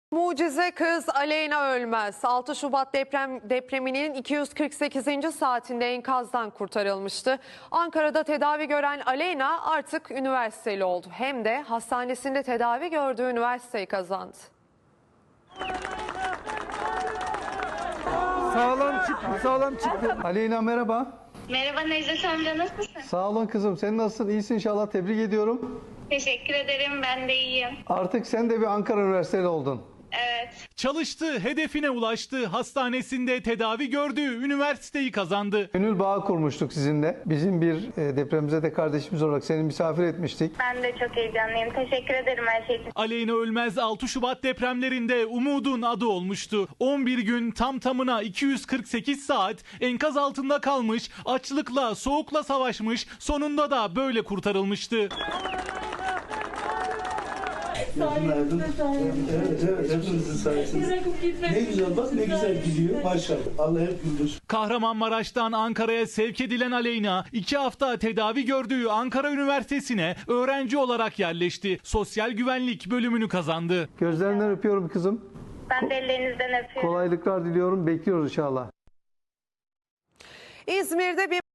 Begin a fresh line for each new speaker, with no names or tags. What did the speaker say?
Mucize kız Aleyna Ölmez 6 Şubat depreminin 248. saatinde enkazdan kurtarılmıştı. Ankara'da tedavi gören Aleyna artık üniversiteli oldu. Hem de hastanesinde tedavi gördüğü üniversiteyi kazandı.
Sağlam çıktı. Aleyna merhaba.
Merhaba Necdet amca, nasılsın?
Sağ olun kızım. Sen nasılsın? İyisin inşallah. Tebrik ediyorum.
Teşekkür ederim, ben de iyiyim.
Artık sen de bir Ankara Üniversiteli oldun.
Evet.
Çalıştı, hedefine ulaştı. Hastanesinde tedavi gördüğü üniversiteyi kazandı.
Gönül bağı kurmuştuk sizinle. Bizim bir depremzede kardeşimiz olarak seni misafir etmiştik.
Ben de çok heyecanlıyım. Teşekkür ederim her şey için.
Aleyna Ölmez 6 Şubat depremlerinde umudun adı olmuştu. 11 gün tam tamına 248 saat enkaz altında kalmış, açlıkla, soğukla savaşmış, sonunda da böyle kurtarılmıştı.
Evet, hepinizin sayesinde. Ne güzel bak, ne güzel gidiyor. Maşallah. Allah hep güldür.
Kahramanmaraş'tan Ankara'ya sevk edilen Aleyna 2 hafta tedavi gördüğü Ankara Üniversitesi'ne öğrenci olarak yerleşti. Sosyal güvenlik bölümünü kazandı.
Gözlerinden öpüyorum kızım.
Ben de ellerinizden öpüyorum.
Kolaylıklar diliyorum. Bekliyoruz inşallah.
İzmir'de bir